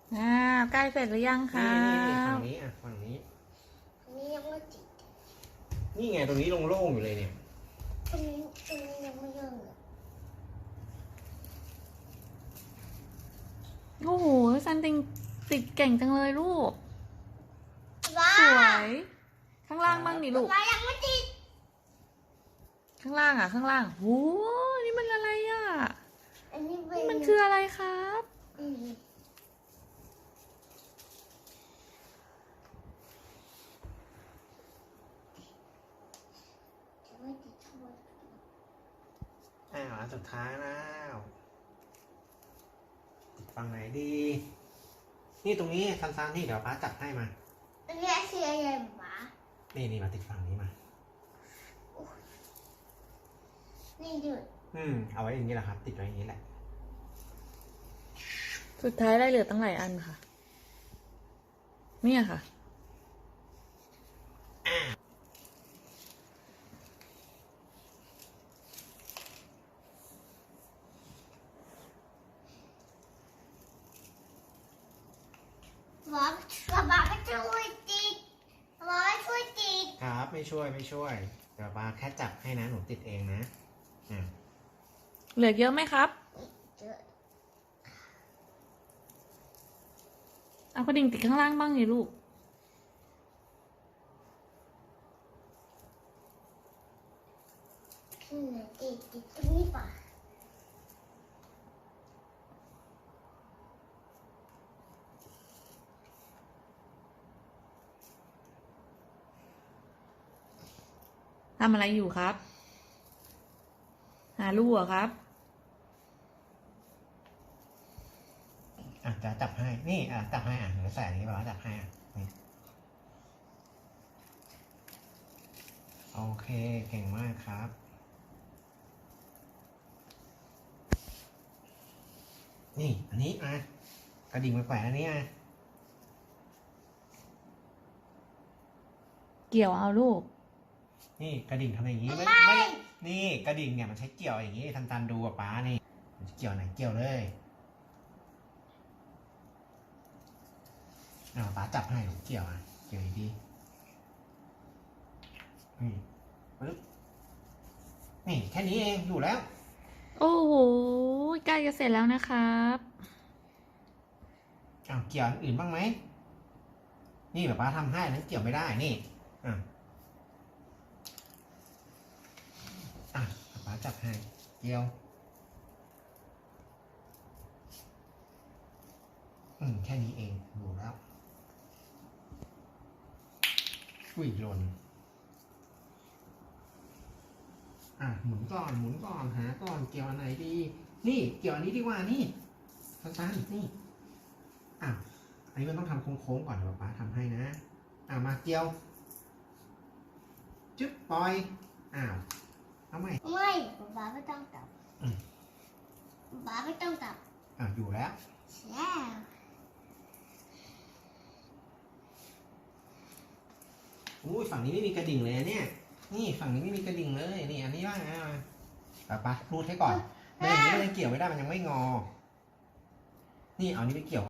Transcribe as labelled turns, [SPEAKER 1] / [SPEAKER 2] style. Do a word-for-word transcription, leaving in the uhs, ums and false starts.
[SPEAKER 1] อ่าใกล้เสร็จหรือยังคะ
[SPEAKER 2] นี่นี่นี่ฝั่งนี้อ่ะฝั่งนี้
[SPEAKER 3] อันนี้ยังไม่ติด
[SPEAKER 2] นี่ไงตรงนี้โล่งๆอยู่เลยเนี่ย
[SPEAKER 3] ตรงนี้ตรงนี้ยังไม่เริ่มเลย
[SPEAKER 1] โอ้โหซันติงติดเก่งจังเลยลูก
[SPEAKER 3] ว้า
[SPEAKER 1] สวยข้างล่างบ้างดิลูก
[SPEAKER 3] ว้ายังไม่ติด
[SPEAKER 1] ข้างล่างอ่ะข้างล่างโอ้นี่มันอะไรอ่ะ
[SPEAKER 3] อันนี้เป็
[SPEAKER 1] นี่
[SPEAKER 3] น
[SPEAKER 1] มันคืออะไรครับ
[SPEAKER 3] อืมจะไม่ติดทั่ว
[SPEAKER 2] อ้าวอันสุดท้ายแล้วติดฝั่งไหนดี นี่ตรงนี้ซันๆนี่เดี๋ยวป้าจับให้มา
[SPEAKER 3] อันนี้คืออะไรหมา
[SPEAKER 2] นี่นี่มาติดฝั่งนี้มา
[SPEAKER 3] นี่ดู
[SPEAKER 2] อืมเอาไว้อย่างนี้แหละครับ ติดไว้อย่างนี้แหละ
[SPEAKER 1] สุดท้ายได้เหลือตั้งหลายอันค่ะเนี่ยค่ะ
[SPEAKER 3] หมาหมาก็ช่วยติดหมาช่วยติด
[SPEAKER 2] ครับไม่ช่วยไม่ช่วยเดี๋ยวป้าแค่จับให้นะหนูติดเองนะอ่า
[SPEAKER 1] เหลือเยอะไหมครับ
[SPEAKER 3] เจอ
[SPEAKER 1] เอากระดิ่งติดข้างล่างบ้างดิลูก
[SPEAKER 3] ขึ้นเลยติดติดตรงนี้ป่ะ
[SPEAKER 1] ทำอะไรอยู่ครับ หาลูกเหรอครับ
[SPEAKER 2] อ่ะจะจับให้นี่อ่ะจับให้อ่ะเดี๋ยวใส่อันนี้ป้าจับให้อ่ะนี่โอเคเก่งมากครับ นี่อันนี้อ่ะกระดิ่งไปแขวนอันนี้อ่ะ
[SPEAKER 1] เกี่ยวเอาลูก
[SPEAKER 2] นี่กระดิ่งทำอย่างนี้ไม่ไม่ นี่กระดิ่งเนี่ยมันใช้เกี่ยวอย่างนี้ทันตันดูกับป้านี่มันเกี่ยวไหนเกี่ยวเลยอ้าวป้าจับให้หนูเกี่ยวอ่ะเกี่ยวดีๆนี่ปึ๊บนี่แค่นี้เองอยู่แล้ว
[SPEAKER 1] โอ้โหใกล้จะเสร็จแล้วนะครับ
[SPEAKER 2] อ้าวเกี่ยวอันอื่นบ้างไหมนี่แบบป้าทำให้นั้นเกี่ยวไม่ได้นี่อ่ะอ่ะป้าจับให้เกี่ยวอืมแค่นี้เองอยู่แล้วอุ้ยหล่นอ่ะหมุนก่อนหมุนก่อนหาก่อนเกี่ยวอันไหนดีนี่เกี่ยวอันนี้ดีกว่านี่สั้นๆนี่อ่ะอันนี้มันต้องทำโค้งๆก่อนเดี๋ยวป้าทำให้นะอ่ะมาเกี่ยวจึ๊บปล่อยอ้าวเอาใหม่
[SPEAKER 3] ไม่หมาไม่ต้องจับ
[SPEAKER 2] อืม
[SPEAKER 3] หมาไม่ต้องจับ
[SPEAKER 2] อ่ะอยู่แล้ว
[SPEAKER 3] แช่
[SPEAKER 2] อุ้ยฝั่งนี้ไม่มีกระดิ่งเลยเนี่ยนี่ฝั่งนี้ไม่มีกระดิ่งเลยนี่อันนี้ว่าไงมาปะปะรูดให้ก่อนไม่อย่างนี้มันยังเกี่ยวไม่ได้มันยังไม่งอนี่เอานี้ไปเกี่ยว